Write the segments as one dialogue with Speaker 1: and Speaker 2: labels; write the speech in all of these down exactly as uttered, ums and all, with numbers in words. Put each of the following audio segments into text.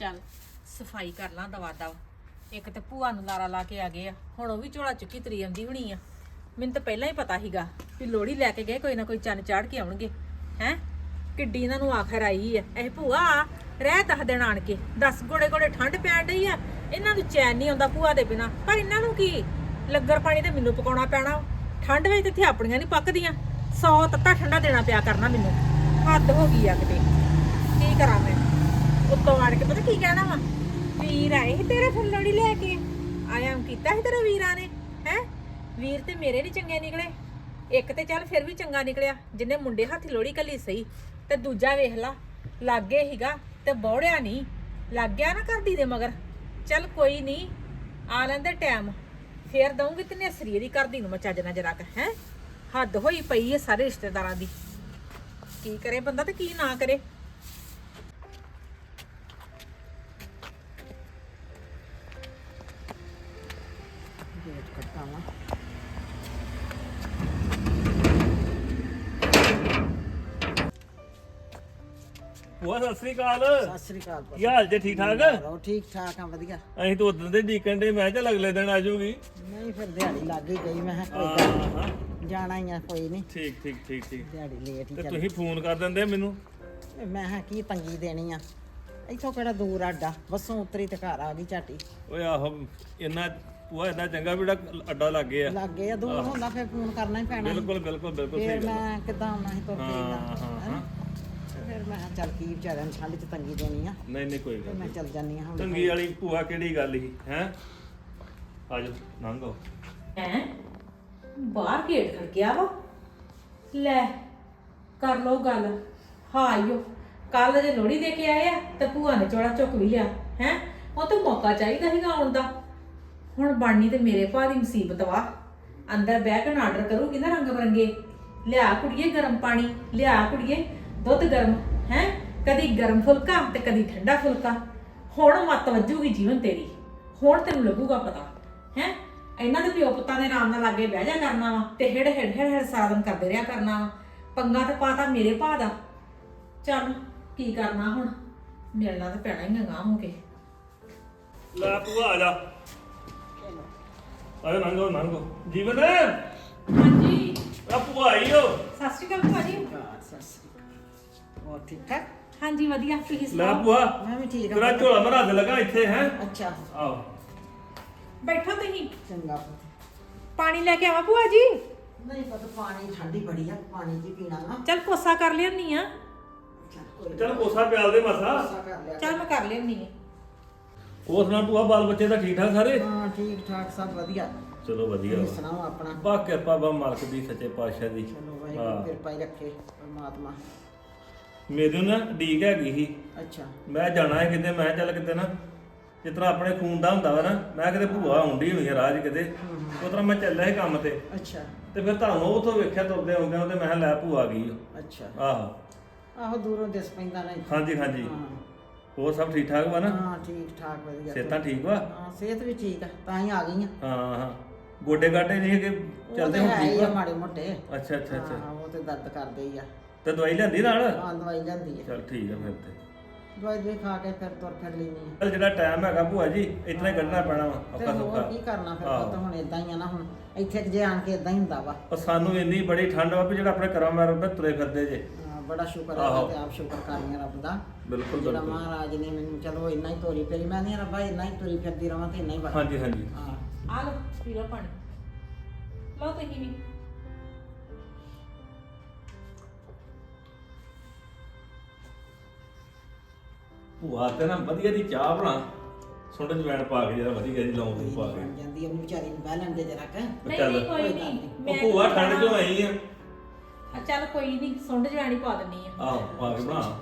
Speaker 1: ਚੱਲ ਸਫਾਈ ਕਰ ਲਾਂ ਦਵਾ ਦਵ। ਇੱਕ ਤੇ ਭੂਆ ਨੂੰ ਲਾਰਾ ਲਾ ਕੇ ਆ ਗਏ ਆ, ਹੁਣ ਉਹ ਵੀ ਝੋਲਾ ਚੁੱਕੀ ਤਰੀ ਆਉਂਦੀ ਹੋਣੀ ਆ। ਮੈਨੂੰ ਤਾਂ ਪਹਿਲਾਂ ਹੀ ਪਤਾ ਸੀਗਾ ਵੀ ਲੋਹੜੀ ਲੈ ਕੇ ਗਏ ਕੋਈ ਨਾ ਕੋਈ ਚੰਨ ਚਾੜ ਕੇ ਆਉਣਗੇ। ਹੈ ਕਿੱਡੀ ਇਹਨਾਂ ਨੂੰ ਆਖਰ ਆਈ ਆ ਇਹ ਭੂਆ ਰਹਿ ਦਸ ਦਿਨ ਆਣ ਕੇ। ਦਸ ਗੋੜੇ ਗੋੜੇ ਠੰਡ ਪੈਣ ਡਈ ਆ, ਇਹਨਾਂ ਨੂੰ ਚੈਨ ਨਹੀਂ ਆਉਂਦਾ ਭੂਆ ਦੇ ਬਿਨਾ। ਪਰ ਇਹਨਾਂ ਨੂੰ ਕੀ ਲੱਗਰ ਪਾਣੀ ਤੇ ਮੈਨੂੰ ਪਕਾਉਣਾ ਪੈਣਾ। ਠੰਡ ਵਿੱਚ ਇੱਥੇ ਆਪਣੀਆਂ ਨਹੀਂ ਪੱਕਦੀਆਂ, ਸੌ ਤੱਤਾ ਠੰਡਾ ਦੇਣਾ ਪਿਆ ਕਰਨਾ ਮੈਨੂੰ। ਹੱਦ ਹੋ ਗਈ ਆ ਕਿਤੇ, ਕੀ ਕਰਾਂ ਮੈਂ। ਉੱਤੋਂ ਆਣ ਕੇ ਪਤਾ ਕੀ ਕਹਿਣਾ ਵਾ, ਵੀਰ ਆਏ ਸੀ ਤੇਰੇ ਫਿਰ ਲੋਹੜੀ ਲੈ ਕੇ ਆਇਆ ਕੀਤਾ ਸੀ ਤੇਰੇ ਵੀਰਾਂ ਨੇ। ਹੈ ਵੀਰ ਤੇ ਮੇਰੇ ਨਹੀਂ ਚੰਗੇ ਨਿਕਲੇ। ਇੱਕ ਤੇ ਚੱਲ ਫਿਰ ਵੀ ਚੰਗਾ ਨਿਕਲਿਆ ਜਿਹਨੇ ਮੁੰਡੇ ਹੱਥ ਲੋਹੜੀ ਕੱਲੀ ਸਹੀ, ਤੇ ਦੂਜਾ ਵੇਖ ਲਾ ਲਾਗੇ ਹੀਗਾ ਤੇ ਬੌੜਿਆ ਨਹੀਂ, ਲੱਗ ਗਿਆ ਨਾ ਕਰਦੀ ਦੇ ਮਗਰ। ਚੱਲ ਕੋਈ ਨਹੀਂ, ਆ ਲੈਂਦੇ ਟਾਈਮ ਫੇਰ ਦਊਂਗੀ ਤਨੇ ਸਰੀਰ ਦੀ ਕਰਦੀ ਨੂੰ ਮੈਂ ਚੱਜ ਨਾਲ ਜਰਾ ਕ। ਹੈ ਹੱਦ ਹੋਈ ਪਈ ਹੈ ਸਾਰੇ ਰਿਸ਼ਤੇਦਾਰਾਂ ਦੀ, ਕੀ ਕਰੇ ਬੰਦਾ ਤੇ ਕੀ ਨਾ ਕਰੇ।
Speaker 2: ਭੂਆ ਸਤਿ ਸ੍ਰੀ ਅਕਾਲ।
Speaker 3: ਸਤਿ ਸ੍ਰੀ ਅਕਾਲ।
Speaker 2: ਕੀ ਹਾਲ ਜੇ? ਠੀਕ ਠਾਕ?
Speaker 3: ਹੋ ਠੀਕ ਠਾਕ ਆ, ਵਧੀਆ।
Speaker 2: ਅਸੀਂ ਤਾਂ ਉਦੋਂ ਦੇ ਡੀਕਣ ਦੇ, ਮੈਂ ਚੱਲ ਅਗਲੇ ਦਿਨ ਆ ਜਾਊਗੀ।
Speaker 3: ਨਹੀਂ ਫਿਰ ਦਿਹਾੜੀ ਲੱਗ ਹੀ ਗਈ, ਮੈਂ ਕਿਹਾ ਕੋਈ ਗੱਲ ਨੀ, ਜਾਣਾ ਹੀ ਆ, ਕੋਈ ਨਹੀਂ।
Speaker 2: ਠੀਕ ਠੀਕ ਠੀਕ ਠੀਕ।
Speaker 3: ਦਿਹਾੜੀ ਲੇਟ ਹੀ
Speaker 2: ਤੇ
Speaker 3: ਚੱਲ।
Speaker 2: ਤੁਸੀਂ ਫੋਨ ਕਰ ਦਿੰਦੇ ਮੈਨੂੰ।
Speaker 3: ਮੈਂ ਕਿਹਾ ਕੀ ਤੰਗੀ ਦੇਣੀ ਆ, ਇੱਥੋਂ ਕਿਹੜਾ ਦੂਰ ਆਡਾ, ਬੱਸੋਂ ਉਤਰੀ ਤੇ ਘਰ ਆ ਗਈ ਝਾਟੀ।
Speaker 2: ਓਏ ਆਹੋ ਇੰਨਾ ਭੂਆ ਇੰਨਾ ਚੰਗਾ ਵੀ ਜਿਹੜਾ ਅੱਡਾ ਲੱਗ ਗਿਆ।
Speaker 3: ਲੱਗੇ ਆ, ਦੂਰ ਹੁੰਦਾ ਫਿਰ ਫੋਨ ਕਰਨਾ ਹੀ ਪੈਣਾ।
Speaker 2: ਬਿਲਕੁਲ ਬਿਲਕੁਲ ਬਿਲਕੁਲ ਸਹੀ
Speaker 3: ਫਿਰ
Speaker 2: ਗੱਲ।
Speaker 3: ਮੈਂ ਕਿੱਦਾਂ ਆਉਣਾ ਸੀ ਤੁਰ ਕੇ
Speaker 2: ਹਾਂ
Speaker 3: ਏਦਾਂ,
Speaker 2: ਹਾਂ
Speaker 3: ਹੈਨਾ।
Speaker 2: ਹਾਂ
Speaker 3: ਫਿਰ ਮੈਂ ਕਿਹਾ ਚੱਲ ਕੀ ਵਿਚਾਰਿਆਂ ਨੂੰ ਠੰਡ 'ਚ ਤੰਗੀ ਦੇਣੀ ਆ,
Speaker 2: ਨਹੀਂ ਨਹੀਂ ਕੋਈ
Speaker 3: ਤੇ
Speaker 2: ਗੱਲ
Speaker 3: ਮੈਂ
Speaker 2: ਨਹੀਂ।
Speaker 3: ਚੱਲ ਜਾਨੀ ਆ ਹੁਣ।
Speaker 2: ਤੰਗੀ ਵਾਲੀ ਭੂਆ ਕਿਹੜੀ ਗੱਲ ਸੀ? ਹੈ ਆਜੋ ਲੰਘੋ।
Speaker 1: ਹੈ ਬਾਹਰ ਗੇਟ ਖੜਕਿਆ ਵਾ, ਲੈ ਕਰ ਲੋ ਗੱਲ। ਹਾਂ ਆਇਓ ਕੱਲ ਜੇ ਲੋਹੜੀ ਦੇ ਕੇ ਆਏ ਆ ਤੇ ਭੂਆ ਨੇ ਚੋੜਾ ਚੁੱਕ ਵੀ ਲਿਆ। ਹੈ ਉਹ ਤਾਂ ਮੌਕਾ ਚਾਹੀਦਾ ਸੀਗਾ ਆਉਣ ਦਾ। ਹੁਣ ਬਣਨੀ ਤੇ ਮੇਰੇ ਭਾ ਦੀ ਮੁਸੀਬਤ ਵਾ। ਅੰਦਰ ਬਹਿ ਕੇ ਆਰਡਰ ਕਰੂਗੀ ਨਾ ਰੰਗ ਬਰੰਗੇ, ਲਿਆ ਕੁੜੀਏ ਗਰਮ ਪਾਣੀ, ਲਿਆ ਕੁੜੀਏ ਦੁੱਧ ਗਰਮ। ਹੈ ਕਦੀ ਗਰਮ ਫੁਲਕਾ ਤੇ ਕਦੀ ਠੰਡਾ ਫੁਲਕਾ। ਹੁਣ ਮੱਤ ਵੱਜੂਗੀ ਜੀਵਨ ਤੇਰੀ, ਹੁਣ ਤੈਨੂੰ ਲੱਗੂਗਾ ਪਤਾ। ਹੈ ਇਹਨਾਂ ਦੇ ਪਿਓ ਪੁੱਤਾਂ ਦੇ ਆਰਾਮ ਨਾਲ ਲਾਗੇ ਬਹਿ ਜਾ ਕਰਨਾ ਵਾ ਤੇ ਹਿੜ ਹਿੜ ਹਿੜ ਹਿੜ ਸਾਰਾ ਦਿਨ ਕਰਦੇ ਰਿਹਾ ਕਰਨਾ ਵਾ। ਪੰਗਾ ਤੇ ਪਾਤਾ ਮੇਰੇ ਭਾ ਦਾ। ਚੱਲ ਕੀ ਕਰਨਾ ਹੁਣ, ਮਿਲਣਾ ਤਾਂ ਪੈਣਾ ਹੀ ਗਾਂ ਹੋ ਕੇ।
Speaker 2: ਲੈ ਭੂਆ ਆ ਜਾ, ਆਜੋ ਲੰਘੋ ਲੰਘੋ। ਜੀਵਨ
Speaker 1: ਹਾਂਜੀ
Speaker 2: ਆ ਭੂਆ ਆਈ ਓ।
Speaker 1: ਸਤਿ ਸ਼੍ਰੀ ਅਕਾਲ ਭੂਆ ਜੀ।
Speaker 3: ਹਾਂ, ਸਤਿ ਸ੍ਰੀ ਅਕਾਲ। ਹੋਰ ਠੀਕ ਠਾਕ?
Speaker 1: ਹਾਂਜੀ ਵਧੀਆ, ਤੁਸੀਂ
Speaker 2: ਲੈ
Speaker 1: ਸੁਣਾਓ?
Speaker 2: ਭੂਆ
Speaker 3: ਮੈਂ ਵੀ ਠੀਕ
Speaker 2: ਤੇਰਾ
Speaker 3: ਆ।
Speaker 2: ਝੋਲਾ ਮਰਾ ਦੇ ਲਗਾ ਇੱਥੇ। ਹੈ
Speaker 3: ਅੱਛਾ
Speaker 2: ਆਓ
Speaker 1: ਬੈਠੋ ਤੁਸੀਂ,
Speaker 3: ਚੰਗਾ।
Speaker 1: ਪਾਣੀ ਲੈ ਕੇ ਆਵਾਂ ਭੂਆ ਜੀ?
Speaker 3: ਨਹੀਂ ਪਤਾ, ਪਾਣੀ ਠੰਡੀ ਬੜੀ ਆ, ਪਾਣੀ ਜੀ ਪੀਣਾ ਨਾ।
Speaker 1: ਚੱਲ ਕੋਸਾ ਕਰ ਲਿਆਨੀ ਆ।
Speaker 3: ਚੱਲ ਕੋਈ
Speaker 2: ਚੱਲ ਕੋਸਾ ਪਿਆਲ ਦੇ ਮਸਾ।
Speaker 3: ਗੁੱਸਾ ਕਰ ਲਿਆ।
Speaker 1: ਚੱਲ ਮੈਂ ਕਰ ਲਿਆਨੀ ਆ।
Speaker 2: ਹੋਰ ਸੁਣਾ ਭੂਆ, ਬਾਲ ਬੱਚੇ ਤਾਂ ਠੀਕ ਠਾਕ ਸਾਰੇ?
Speaker 3: ਹਾਂ ਠੀਕ ਠਾਕ ਸਭ ਵਧੀਆ।
Speaker 2: ਚਲੋ ਵਧੀਆ
Speaker 3: ਤੁਸੀਂ
Speaker 2: ਵਾ।
Speaker 3: ਸੁਣਾਓ ਆਪਣਾ?
Speaker 2: ਬਾ ਕਿਰਪਾ ਬਾ ਮਾਲਕ ਦੀ, ਸੱਚੇ ਪਾਤਸ਼ਾਹ ਦੀ।
Speaker 3: ਚਲੋ ਵਾਹਿਗੁਰੂ ਕਿਰਪਾ ਹੀ ਰੱਖੇ ਪਰਮਾਤਮਾ।
Speaker 2: ਮੇਰੇ ਨਾ ਡੀਕ ਹੈਗੀ ਸੀ,
Speaker 3: ਅੱਛਾ
Speaker 2: ਮੈਂ ਜਾਣਾ ਹੈ ਕਿਤੇ। ਮੈਂ ਕਿਹਾ ਚੱਲ ਕਿਤੇ ਨਾ ਜਿਸ ਤਰ੍ਹਾਂ ਆਪਣੇ ਖੂਨ ਦਾ ਹੁੰਦਾ ਵਾ ਨਾ, ਮੈਂ ਕਿਤੇ ਭੂਆ ਆਉਂਦੀ ਹੋਈ ਆ ਰਾਜ ਕਿਤੇ, ਉਸ ਤਰ੍ਹਾਂ ਮੈਂ ਚੱਲਿਆ ਸੀ ਕੰਮ ਤੇ।
Speaker 3: ਅੱਛਾ
Speaker 2: ਤੇ ਫਿਰ ਤੁਹਾਨੂੰ ਉਥੋਂ ਵੇਖਿਆ ਤੁਰਦੇ ਆਉਂਦੇ ਤੇ ਮੈਂ ਕਿਹਾ ਲੈ ਭੂਆ ਆ ਗਈ ਓ।
Speaker 3: ਅੱਛਾ।
Speaker 2: ਆਹੋ
Speaker 3: ਆਹੋ ਦੂਰੋਂ ਦਿਸ ਪੈਂਦਾ ਨਹੀਂ।
Speaker 2: ਹਾਂਜੀ ਹਾਂਜੀ।
Speaker 3: ਹਾਂ
Speaker 2: ਹੋਰ ਸਭ ਠੀਕ ਠਾਕ ਵਾ ਨਾ?
Speaker 3: ਹਾਂ ਠੀਕ ਠਾਕ ਵਧੀਆ।
Speaker 2: ਸਿਹਤਾਂ ਠੀਕ ਵਾ?
Speaker 3: ਹਾਂ ਸਿਹਤ ਵੀ ਠੀਕ ਆ, ਤਾਂ ਹੀ ਆ ਗਈ ਆ।
Speaker 2: ਹਾਂ ਹਾਂ ਗੋਡੇ ਗਾਡੇ ਨਹੀਂ ਕਿ
Speaker 3: ਉਹ
Speaker 2: ਚੱਲਦੇ
Speaker 3: ਤੇ
Speaker 2: ਹੁਣ
Speaker 3: ਹੈ ਹੀ
Speaker 2: ਠੀਕ
Speaker 3: ਆ
Speaker 2: ਵਾ?
Speaker 3: ਮਾੜੇ ਮੋਟੇ।
Speaker 2: ਅੱਛਾ ਅੱਛਾ ਅੱਛਾ।
Speaker 3: ਹਾਂ ਉਹ ਤੇ ਦਰਦ ਕਰਦੇ ਹੀ ਆ।
Speaker 2: ਤੇ ਦਵਾਈ ਲੈਂਦੀ ਨਾਲ?
Speaker 3: ਹਾਂ ਦਵਾਈ ਲੈਂਦੀ ਆ।
Speaker 2: ਚਲ ਠੀਕ ਆ ਫਿਰ ਤੇ।
Speaker 3: ਦਵਾਈ ਦੇ ਖਾ ਕੇ ਫਿਰ ਤੁਰ ਫਿਰ ਲੈਣੀ ਆ।
Speaker 2: ਚੱਲ ਜਿਹੜਾ ਟਾਈਮ ਹੈਗਾ ਭੂਆ ਜੀ ਇਤਨਾ ਹੀ ਕੱਢਣਾ ਪੈਣਾ ਵਾ
Speaker 3: ਤੇ
Speaker 2: ਔਖਾ
Speaker 3: ਹੋਰ
Speaker 2: ਸੌਖਾ।
Speaker 3: ਕੀ ਕਰਨਾ ਫਿਰ,
Speaker 2: ਆਹੋ।
Speaker 3: ਪੁੱਤ ਹੁਣ ਇਦਾਂ ਹੀ ਆ ਨਾ। ਹੁਣ ਇੱਥੇ ਜੇ ਆਣ ਕੇ ਇਦਾਂ ਹੀ ਹੁੰਦਾ ਵਾ।
Speaker 2: ਪਰ ਸਾਨੂੰ ਇੰਨੀ ਬੜੀ ਠੰਡ ਵਾ ਵੀ ਜਿਹੜਾ ਆਪਣੇ ਘਰਾਂ ਮਾਰ ਉੱਤੇ ਤੁਰੇ ਫਿਰਦੇ ਜੇ।
Speaker 3: ਹਾਂ, ਬੜਾ ਸ਼ੁਕਰ ਹੈ
Speaker 2: ਆਹੋ।
Speaker 3: ਤੇ ਆਪ ਸ਼ੁਕਰ ਕਰਨੀ ਰੱਬ ਦਾ।
Speaker 2: ਬਿਲਕੁਲ
Speaker 3: ਜਿਹੜਾ
Speaker 2: ਬਿਲਕੁਲ।
Speaker 3: ਮਹਾਰਾਜ ਨੇ ਮੈਨੂੰ ਚਲੋ ਇੰਨਾ ਹੀ ਤੋਰੀ ਫੇਰੀ। ਮੈਂ ਨਹੀਂ ਰੱਬਾ ਇੰਨਾ ਹੀ ਤੋਰੀ ਫਿਰਦੀ ਰਵਾਂ ਤੇ ਇੰਨਾ ਹੀ ਬਸ।
Speaker 2: ਹਾਂਜੀ ਹਾਂਜੀ।
Speaker 3: ਹਾਂ
Speaker 1: ਆ ਲਓ ਪੀ ਲਓ ਪਾਣੀ, ਲਓ ਤੁਸੀਂ ਵੀ।
Speaker 2: ਭੂਆ ਤੇ ਨਾ ਵਧੀਆ ਦੀ ਚਾਹ ਬਣਾ, ਸੁੰਡ ਜਵੈਣ ਪਾ ਕੇ ਜਿਹੜਾ ਵਧੀਆ ਜੀ ਲੌਂਗ ਪਾ ਕੇ।
Speaker 3: ਬਣ ਜਾਂਦੀ ਉਹਨੂੰ ਵਿਚਾਰੀ ਨੂੰ ਬਹਿ ਲੈਂਦੇ ਜਰਾ ਕ।
Speaker 1: ਨਹੀਂ
Speaker 2: ਚੱਲ।
Speaker 1: ਨਹੀਂ ਕੋਈ
Speaker 3: ਕੋਈ
Speaker 1: ਨਹੀਂ,
Speaker 3: ਗੱਲ
Speaker 2: ਉਹ ਭੂਆ ਠੰਡ ਚੋਂ ਆਈ ਆ।
Speaker 1: ਆ ਚੱਲ ਕੋਈ ਨਹੀਂ, ਸੁੰਡ ਜਵਾਨੀ ਪਾ ਦਿੰਨੀ ਆ।
Speaker 2: ਆਹੋ ਪਾ ਕੇ ਬਣਾ।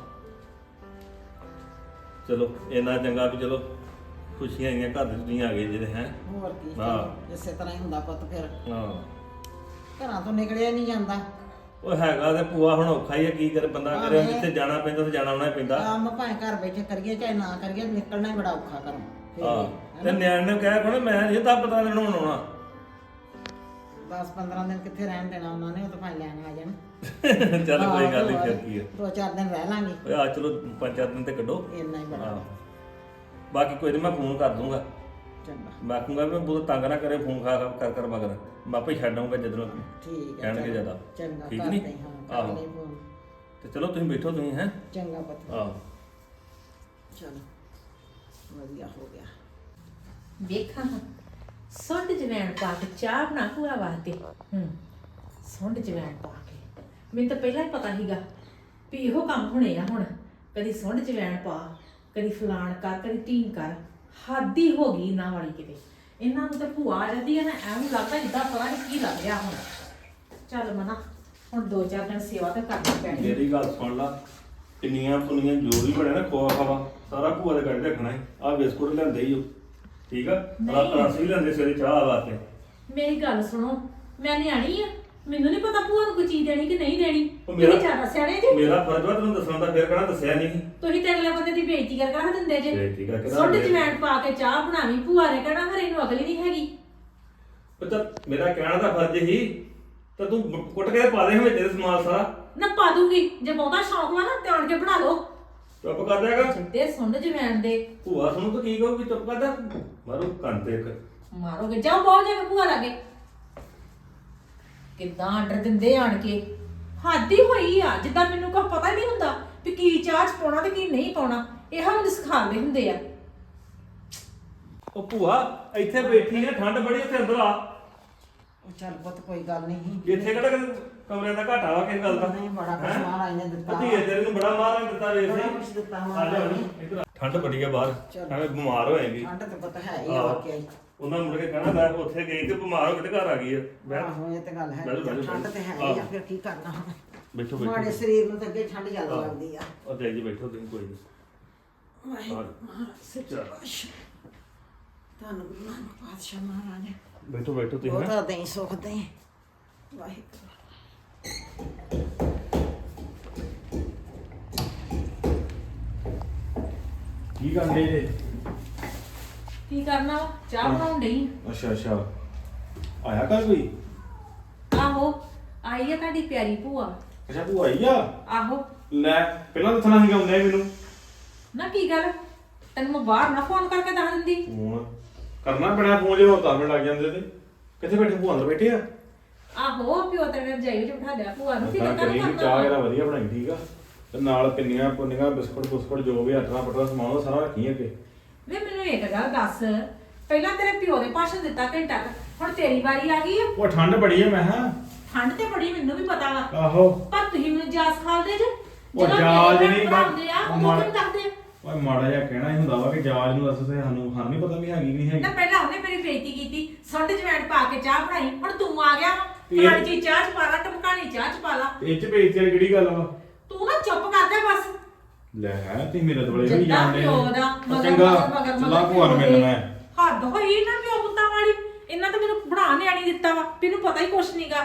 Speaker 2: ਚਲੋ ਇੰਨਾ ਚੰਗਾ ਵੀ ਚਲੋ ਖੁਸ਼ੀਆਂ ਆਈਆਂ ਘਰ ਦੇ ਤੁਸੀਂ ਆ ਗਏ ਜਿਹੜੇ। ਹੈ
Speaker 3: ਹੋਰ ਕੀ,
Speaker 2: ਹਾਂ।
Speaker 3: ਚਲੋ ਇਸੇ ਤਰ੍ਹਾਂ ਹੀ ਹੁੰਦਾ ਪੁੱਤ। ਫਿਰ
Speaker 2: ਹਾਂ
Speaker 3: ਘਰਾਂ ਤੋਂ ਨਿਕਲਿਆ ਨਹੀਂ ਜਾਂਦਾ।
Speaker 2: ਉਹ ਹੈਗਾ ਤੇ ਭੂਆ ਹੁਣ ਔਖਾ ਹੀ ਆ, ਕੀ ਕਰੇ ਬੰਦਾ
Speaker 3: ਹਾਂ,
Speaker 2: ਕਰੇ।
Speaker 3: ਇਹ-
Speaker 2: ਜਿੱਥੇ ਜਾਣਾ ਪੈਂਦਾ ਤੇ ਜਾਣਾ ਆਉਣਾ ਹੀ ਪੈਂਦਾ।
Speaker 3: ਕੰਮ ਭਾਵੇਂ ਘਰ ਬੈਠੇ ਕਰੀਏ ਚਾਹੇ ਨਾ ਕਰੀਏ, ਨਿਕਲਣਾ ਹੀ ਬੜਾ ਔਖਾ ਘਰੋਂ। ਫਿਰ
Speaker 2: ਆਹ
Speaker 3: ਵੀ,
Speaker 2: ਤੇ ਨਿਆਣੇ ਨੂੰ ਕਹਿ ਕੋਣ ਮੈਂ ਨਹੀਂ ਤਾਂ ਪਤਾ ਲੈਣ ਹੁਣ ਆਉਣਾ।
Speaker 3: ਦਸ ਪੰਦਰਾਂ ਦਿਨ ਕਿੱਥੇ ਰਹਿਣ ਦੇਣਾ ਉਹਨਾਂ ਨੇ, ਉਹ ਤਾਂ ਭਾਵੇਂ ਲੈਣ ਆ ਜਾਣ।
Speaker 2: ਚੱਲ ਕੋਈ ਗੱਲ ਨਹੀਂ,
Speaker 3: ਹਾਂ,
Speaker 2: ਫਿਰ ਕੀ ਆ।
Speaker 3: ਦੋ ਚਾਰ ਦਿਨ ਰਹਿ ਲਾਂਗੇ,
Speaker 2: ਓਏ ਆ ਚਲੋ ਪੰਜ ਚਾਰ ਦਿਨ ਤੇ ਕੱਢੋ।
Speaker 3: ਇੰਨਾ ਹੀ ਬੜਾ।
Speaker 2: ਹਾਂ ਬਾਕੀ ਕੋਈ ਨਹੀਂ ਮੈਂ ਫੋਨ ਕਰ ਦੂੰਗਾ।
Speaker 3: ਚੰਗਾ
Speaker 2: ਮੈਂ ਕਹੂੰਗਾ ਵੀ ਬਹੁਤ ਤੰਗ ਨਾ ਕਰੇ ਫੋਨ ਖਾ ਖਾ ਕਰ ਕਰ ਮਗਰ ਮੈਂ ਆਪੇ ਛੱਡ ਆਊਂਗਾ ਜਦੋਂ
Speaker 3: ਠੀਕ ਹੈ
Speaker 2: ਕਹਿਣਗੇ
Speaker 3: ਚਲੋ।
Speaker 2: ਜ਼ਿਆਦਾ
Speaker 3: ਚੰਗਾ
Speaker 2: ਠੀਕ
Speaker 3: ਕਰਦੇ
Speaker 2: ਨਹੀਂ
Speaker 3: ਹਾਂ ਕਰ
Speaker 2: ਆਹੋ
Speaker 3: ਲਈ ਫੋਨ।
Speaker 2: ਤੇ ਚਲੋ ਤੁਸੀਂ ਬੈਠੋ ਤੁਸੀਂ ਹੈ
Speaker 3: ਚੰਗਾ ਪੁੱਤ
Speaker 2: ਆਹੋ
Speaker 3: ਚਲੋ ਵਧੀਆ ਹੋ ਗਿਆ।
Speaker 1: ਵੇਖਾਂ ਸੁੰਡ ਜਵੈਣ ਪਾ ਕੇ ਚਾਹ ਬਣਾ ਭੂਆ ਵਾਸਤੇ। ਹੂੰ ਸੁੰਡ ਜਵੈਣ ਪਾ ਕੇ ਮੈਨੂੰ ਤਾਂ ਪਹਿਲਾਂ ਹੀ ਪਤਾ ਸੀਗਾ ਵੀ ਇਹੋ ਕੰਮ ਹੋਣੇ ਆ ਹੁਣ। ਕਦੀ ਸੁੰਡ ਜਵੈਣ ਪਾ, ਕਦੀ ਫਲਾਣ ਕਰ, ਕਦੀ ਟੀਨ ਕਰ। ਹੱਦ ਹੀ ਹੋ ਗਈ ਇਹਨਾਂ ਵਾਲੀ ਕਿਤੇ। ਇਹਨਾਂ ਨੂੰ ਤਾਂ ਭੂਆ ਆ ਜਾਂਦੀ ਹੈ ਨਾ ਐਵੇਂ ਲੱਗਦਾ ਜਿੱਦਾਂ ਪਤਾ ਨਹੀਂ ਕੀ ਲੱਗ ਰਿਹਾ ਹੁਣ। ਚੱਲ ਮਨਾ ਹੁਣ ਦੋ ਚਾਰ ਦਿਨ ਸੇਵਾ ਤਾਂ ਕਰਨੀ ਪੈਣੀ।
Speaker 2: ਮੇਰੀ ਗੱਲ ਸੁਣ ਲਾ ਪਿੰਨੀਆਂ ਪੁੰਨੀਆਂ ਜੋ ਵੀ ਬਣਿਆ ਨਾ ਖੋਆ ਖਾਵਾ ਸਾਰਾ ਭੂਆ ਦੇ ਘਰ ਰੱਖਣਾ ਹੈ। ਆਹ ਬਿਸਕੁਟ ਲੈਂਦੇ ਹੀ ਹੋ ਠੀਕ ਆ ਰਾਤ ਰਸ ਵੀ ਲੈਂਦੇ ਸਵੇਰੇ ਚਾਹ ਵਾਸਤੇ।
Speaker 1: ਮੇਰੀ ਗੱਲ ਸੁਣੋ ਮੈਂ ਨਿਆਣੀ ਆ, ਮੈਨੂੰ ਨਹੀਂ ਪਤਾ ਭੂਆ ਨੂੰ ਕੋਈ ਚੀਜ਼ ਦੇਣੀ ਕਿ ਨਹੀਂ ਦੇਣੀ।
Speaker 2: ਉਹ ਮੇਰਾ-
Speaker 1: ਤੁਸੀਂ ਜ਼ਿਆਦਾ ਸਿਆਣੇ ਜੀ।
Speaker 2: ਮੇਰਾ ਫਰਜ਼ ਵਾ ਤੈਨੂੰ ਦੱਸਣ ਦਾ, ਫਿਰ ਕਹਿਣਾ ਦੱਸਿਆ ਨਹੀਂ।
Speaker 1: ਤੁਸੀਂ ਤੇ ਅਗਲੇ ਬੰਦੇ ਦੀ ਬੇਇੱਜ਼ਤੀ ਕਰ ਕਰ ਦਿੰਦੇ ਜੇ।
Speaker 2: ਬੇਇੱਜ਼ਤੀ ਕਰਕੇ ਰੱਖ
Speaker 1: ਸੁੱਟ
Speaker 2: ਦਿੰਦੇ।
Speaker 1: ਜਵੈਣ ਪਾ ਕੇ ਚਾਹ ਬਣਾਵੀਂ, ਭੂਆ ਨੇ ਕਹਿਣਾ ਹਰੇ ਨੂੰ ਅਗਲੀ ਨਹੀਂ ਹੈਗੀ।
Speaker 2: ਪਤਾ ਮੇਰਾ ਕਹਿਣਾ ਦਾ ਫਰਜ਼ ਹੀ ਤਾਂ ਤੂੰ ਕੁੱਟ ਕੇ ਪਾ ਦੇ ਵਿੱਚ ਤੇਰੇ ਸਮਾਨ ਸਾਰਾ।
Speaker 1: ਨਾ ਪਾ ਦੂੰਗੀ ਜੇ ਬਹੁਤਾ ਸ਼ੌਕ ਵਾ ਨਾ ਤੇ ਆਣ ਕੇ ਬਣਾ ਲਓ।
Speaker 2: ਚੁੱਪ ਕਰ ਜਾਏਗਾ
Speaker 1: ਜਿੱਦੇ ਸੁੰਡ ਜਵੈਣ ਦੇ
Speaker 2: ਭੂਆ ਸੁਣੂ ਤਾਂ ਕੀ ਕਹੂਗੀ ਚੁੱਪ ਕਰ ਜਾ ਮਾਰੂ ਕੰਨ ਤੇ ਇੱਕ।
Speaker 1: ਮਾਰੋਗੇ ਜਾਓ ਬਹੁਤ ਜਾ ਕੇ ਭੂਆ ਲਾਗੇ। ਕਿੱਦਾਂ ਆਰਡਰ ਦਿੰਦੇ ਆਣ ਕੇ ਹੱਦ ਹੀ ਹੋਈ ਆ। ਜਿੱਦਾਂ ਮੈਨੂੰ ਕੋਈ ਪਤਾ ਹੀ ਨਹੀਂ ਹੁੰਦਾ ਵੀ ਕੀ ਚਾਹ ਚ ਪਾਉਣਾ ਤੇ ਕੀ ਨਹੀਂ ਪਾਉਣਾ। ਇਹ ਮੈਨੂੰ ਸਿਖਾਉਂਦੇ ਹੁੰਦੇ ਆ।
Speaker 2: ਉਹ ਭੂਆ ਇੱਥੇ ਬੈਠੀ ਆ ਠੰਡ ਬੜੀ ਉੱਥੇ ਅੰਦਰ ਆ।
Speaker 3: ਉਹ ਚੱਲ ਪੁੱਤ ਕੋਈ ਗੱਲ ਨਹੀਂ।
Speaker 2: ਇੱਥੇ ਕਿਹੜਾ ਕਿਤੇ ਕਮਰਿਆਂ ਦਾ ਘਾਟਾ ਵਾ ਕਿਸ ਗੱਲ ਦਾ।
Speaker 3: ਨਹੀਂ ਬੜਾ ਕੁਛ
Speaker 2: ਹੈਂ?
Speaker 3: ਮਹਾਰਾਜ ਨੇ ਦਿੱਤਾ।
Speaker 2: ਧੀਏ ਤੇਰੇ ਨੂੰ ਬੜਾ ਮਾਰ ਦਿੱਤਾ ਵੇਖ
Speaker 3: ਬੜਾ
Speaker 2: ਸੀ।
Speaker 3: ਕੁਛ ਦਿੱਤਾ
Speaker 2: ਆ ਜਾ
Speaker 3: ਮਹਾਰਾਜ ਨੇ।
Speaker 2: ਇੱਧਰ ਆ। ਠੰਡ ਬੜੀ ਆ ਬਾਹਰ
Speaker 3: ਚਲੋ।
Speaker 2: ਐਵੇਂ ਬਿਮਾਰ ਹੋਏਗੀ।
Speaker 3: ਠੰਡ ਤੇ ਪਤਾ ਹੈ ਹੀ ਆ
Speaker 2: ਆਹੋ।
Speaker 3: ਵਾਕਿਆ ਹੀ।
Speaker 2: ਉਹਨਾਂ ਮੁੜ ਕੇ ਕਹਿਣਾ ਮੈਂ ਉੱਥੇ ਗਈ ਤੇ ਬਿਮਾਰ ਹੋ ਕੇ ਤੇ ਘਰ ਆ ਗਈ ਆ। ਬਹਿ-
Speaker 3: ਆਹੋ ਇਹ ਤੇ ਗੱਲ ਹੈ।
Speaker 2: ਬਹਿ- ਬਹਿ-
Speaker 3: ਠੰਡ ਤੇ ਹੈ ਹੀ ਆ
Speaker 2: ਆਹੋ।
Speaker 3: ਫਿਰ ਕੀ ਕਰਨਾ ਹੁਣ।
Speaker 2: ਬੈਠੋ
Speaker 3: ਮਾੜੇ
Speaker 2: ਬੈਠੋ
Speaker 3: ਸਰੀਰ ਨੂੰ ਤਾਂ ਅੱਗੇ ਠੰਡ ਜ਼ਿਆਦਾ
Speaker 2: ਆਹੋ।
Speaker 3: ਲੱਗਦੀ ਆ।
Speaker 2: ਉਹ ਤੇ ਜੀ ਬੈਠੋ ਤੁਸੀਂ ਕੋਈ ਨਹੀਂ।
Speaker 3: ਵਾਹਿਗੁਰੂ
Speaker 2: ਆਹੋ।
Speaker 3: ਮਹਾਰਾਜ ਸੱਚੇ
Speaker 2: ਚੱਲ।
Speaker 3: ਪਾਤਸ਼ਾਹ। ਤੁਹਾਨੂੰ ਗੁਰੂ ਨਾਨਕ ਪਾਤਸ਼ਾਹ ਮਹਾਰਾਜ ਨੇ
Speaker 2: ਬੈਠੋ ਬੈਠੋ ਤੁਸੀਂ ਹੈਂ।
Speaker 3: ਬਹੁਤਾ ਦੇਈ ਸੁਖ ਦੇਈ। ਵਾਹਿਗੁਰੂ
Speaker 4: ਕੀ ਕਰਦੇ ਜੇ?
Speaker 1: ਕੀ ਕਰਨਾ ਵਾ? ਚਾਹ ਬਣਾਉਣ ਡਈ
Speaker 4: ਅੱਛਾ ਅੱਛਾ ਆਇਆ ਕੱਲ ਕੋਈ?
Speaker 1: ਆਂ। ਆਹੋ ਆਈ ਆ ਤੁਹਾਡੀ ਪਿਆਰੀ ਭੂਆ।
Speaker 4: ਅੱਛਾ ਤੂੰ ਆਈ ਆ?
Speaker 1: ਆਹੋ
Speaker 4: ਲੈ ਪਹਿਲਾਂ ਦੱਸਣਾ ਸੀਗਾ ਹੁੰਦੇ ਮੈਨੂੰ।
Speaker 1: ਨਾ ਕੀ ਗੱਲ ਤੈਨੂੰ ਮੈਂ ਬਾਹਰ ਨਾ ਫੋਨ ਕਰਕੇ ਦੱਸ ਦਿੰਦੀ।
Speaker 4: ਫੋਨ ਕਰਨਾ ਪੈਣਾ ਫੋਨ ਜੇ ਹੋਰ ਤਾਂ ਮਿੰਟ ਲੱਗ ਜਾਂਦੇ ਤੇ। ਕਿੱਥੇ ਬੈਠੇ ਭੂਆ ਅੰਦਰ ਬੈਠੇ ਆ?
Speaker 1: ਆਹੋ ਪਿਓ ਤੇਰੇ ਰਜਾਈ ਵਿੱਚ ਬਿਠਾ ਲਿਆ ਭੂਆ ਨੂੰ।
Speaker 4: ਤਾਂ
Speaker 1: ਫਿਕਰ
Speaker 4: ਕਰੀ
Speaker 1: ਕਰਨਾ
Speaker 4: ਚਾਹ ਇਹਦਾ ਵਧੀਆ ਬਣਾਈ ਠੀਕ ਆ ਤੇ ਨਾਲ ਪਿੰਨੀਆਂ ਪੁੰਨੀਆਂ ਬਿਸਕੁਟ ਬੁਸਕੁਟ ਜੋ ਵੀ ਆਟਾ ਪਟਾ ਸਮਾਨ ਉਹ ਸਾਰਾ ਰੱਖੀ ਅੱਗੇ।
Speaker 1: ਵੇ ਮੈਨੂੰ ਇੱਕ ਗੱਲ ਦੱਸ, ਪਹਿਲਾਂ ਤੇਰੇ ਪਿਓ ਨੇ ਭਾਸ਼ਣ ਦਿੱਤਾ ਘੰਟਾ ਕੁ, ਹੁਣ ਤੇਰੀ ਵਾਰੀ ਆ ਗਈ ਆ।
Speaker 4: ਉਹ ਠੰਡ ਬੜੀ ਆ ਮੈਂ ਹਾਂ।
Speaker 1: ਠੰਡ ਤੇ ਬੜੀ ਮੈਨੂੰ ਵੀ ਪਤਾ ਵਾ,
Speaker 4: ਆਹੋ
Speaker 1: ਪਰ ਤੁਸੀਂ ਮੈਨੂੰ ਜਾਸ ਖਾਲਦੇ ਜੇ।
Speaker 4: ਉਹ
Speaker 1: ਜਦੋਂ
Speaker 4: ਜਾਚ
Speaker 1: ਮੇਰੇ
Speaker 4: ਨਹੀਂ
Speaker 1: ਭਰਾ ਬਣਾਉਂਦੇ ਆ
Speaker 4: ਉਹ
Speaker 1: ਉਹ
Speaker 4: ਮਾੜਾ-
Speaker 1: ਕਿਉਂ ਦੱਸਦੇ?
Speaker 4: ਓਏ ਮਾੜਾ ਜਿਹਾ ਕਹਿਣਾ ਹੀ ਹੁੰਦਾ ਵਾ ਕਿ ਜਾਜ ਨੂੰ ਦੱਸ ਤੇ ਸਾਨੂੰ ਸਾਨੂੰ ਨਹੀਂ ਪਤਾ ਵੀ ਹੈਗੀ ਕਿ ਨਹੀਂ ਹੈਗੀ।
Speaker 1: ਨਾ ਪਹਿਲਾਂ ਉਹਨੇ ਮੇਰੀ ਬੇਇੱਜ਼ਤੀ ਕੀਤੀ, ਸੁੰਡ ਜਵੈਣ ਪਾ ਕੇ ਚਾਹ ਬਣਾਈ। ਹੁਣ ਤੂੰ ਆ ਗਿਆ
Speaker 4: ਇਹ-
Speaker 1: ਫਲਾਣੀ ਚੀਜ਼ ਚਾਹ ਚ ਪਾ ਲਾ, ਟਮਕਾਣੀ ਚਾਹ ਚ ਪਾ ਲਾ।
Speaker 4: ਇਹ ਚ ਬੇਇੱਜ਼ਤੀ ਵਾਲੀ ਕਿਹੜੀ ਗੱਲ ਵਾ?
Speaker 1: ਤੂੰ ਨਾ ਚੁੱਪ ਕਰ ਜਾ ਬਸ।
Speaker 4: ਲੈ ਹੈ ਤੇ ਮੇਰੇ ਦੁਆਲੇ ਵੀ
Speaker 1: ਜਿੱਦਾਂ
Speaker 4: ਜਾਂਦੇ
Speaker 1: ਪਿਓ ਦਾ ਮਗਰ
Speaker 4: ਚੰਗਾ
Speaker 1: ਮਗਰ ਮਗਰ
Speaker 4: ਚਲਾ
Speaker 1: ਮਗਰ
Speaker 4: ਭੂਆ ਨੂੰ
Speaker 1: ਪਿਓ
Speaker 4: ਮਿਲਣਾ
Speaker 1: ਦੇ।
Speaker 4: ਮੈਂ।
Speaker 1: ਹੱਦ ਹੋਈ ਨਾ ਪਿਓ ਪੁੱਤਾਂ ਵਾਲੀ। ਇਹਨਾਂ ਤਾਂ ਮੈਨੂੰ ਬਣਾ ਨਿਆਣੀ ਦਿੱਤਾ ਵਾ, ਮੈਨੂੰ ਪਤਾ ਹੀ ਕੁਛ ਨਹੀਂਗਾ।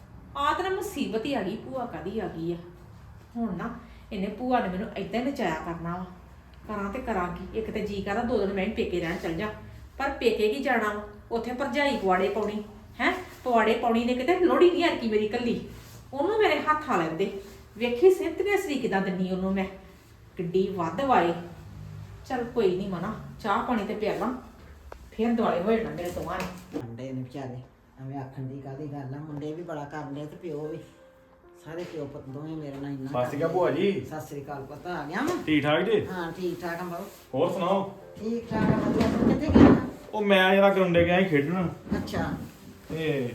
Speaker 1: ਆਹ ਤਾਂ ਨਾ ਮੁਸੀਬਤ ਹੀ ਆ ਗਈ। ਭੂਆ ਕਾਦੀ ਆ ਗਈ ਆ ਹੁਣ ਨਾ। ਇਹਨੇ ਭੂਆ ਨੇ ਮੈਨੂੰ ਏਦਾਂ ਹੀ ਨਚਾਇਆ ਕਰਨਾ ਵਾ। ਕਰਾਂ ਤੇ ਕਰਾਂ ਕੀ? ਇੱਕ ਤੇ ਜੀ ਕਰਦਾ ਦੋ ਦਿਨ ਮੈਂ ਵੀ ਪੇਕੇ ਰਹਿਣ ਚੱਲ ਜਾ, ਪਰ ਪੇਕੇ ਕੀ ਜਾਣਾ ਵਾ? ਉੱਥੇ ਭਰਜਾਈ ਪਵਾੜੇ ਪਾਉਣੀ ਹੈ। ਪਵਾੜੇ ਪਾਉਣੀ ਨੇ ਕਿਤੇ ਲੋੜੀ ਨਹੀਂ ਹਰਕੀ ਮੇਰੀ ਕੱਲੀ। ਉਹਨੂੰ ਮੇਰੇ ਹੱਥ ਆ ਲੈਂਦੇ। ਵੇਖੀ ਸਿੰਤਨੇ ਸਰੀ ਕਿਦਾਂ ਦਿੰਨੀ ਉਹਨੂੰ ਮੈਂ, ਕਿੱਡੀ ਵੱਧ ਵਾਏ। ਚੱਲ ਕੋਈ ਨਹੀਂ ਮਨਾ, ਚਾਹ ਪਾਣੀ ਤੇ ਪਿਆ ਲਾਂ, ਫੇਰ ਦੁਆਲੇ ਹੋਏ ਨਾ ਮੇਰੇ ਦੋਵਾਂ ਨੇ।
Speaker 3: ਮੁੰਡੇ ਨੇ ਵਿਚਾਰੇ ਐਵੇਂ ਆਖਣ ਦੀ ਕਾਹਦੀ ਗੱਲ ਆ। ਮੁੰਡੇ ਵੀ ਬੜਾ ਕਰਦੇ ਤੇ ਪਿਓ ਵੀ। ਸਾਰੇ ਪਿਓ ਪੁੱਤ ਦੋਵੇਂ ਮੇਰੇ ਨਾਲ ਇੰਨਾ
Speaker 4: ਸਤਿ ਸ਼੍ਰੀ ਅਕਾਲ ਭੂਆ ਜੀ।
Speaker 3: ਸਤਿ ਸ੍ਰੀ ਅਕਾਲ ਪੁੱਤ ਆ ਗਿਆ ਵਾ।
Speaker 4: ਠੀਕ ਠਾਕ ਜੀ?
Speaker 3: ਹਾਂ ਠੀਕ ਠਾਕ ਆ ਬਾਬੂ।
Speaker 4: ਹੋਰ ਸੁਣਾਓ?
Speaker 3: ਠੀਕ ਠਾਕ ਆ ਵਧੀਆ। ਤੂੰ ਕਿੱਥੇ ਗਿਆ?
Speaker 4: ਉਹ ਮੈਂ ਜਰਾ ਗਰਾਉਂਡੇ ਗਿਆ ਸੀ ਖੇਡਣ
Speaker 3: ਅੱਛਾ
Speaker 4: ਤੇ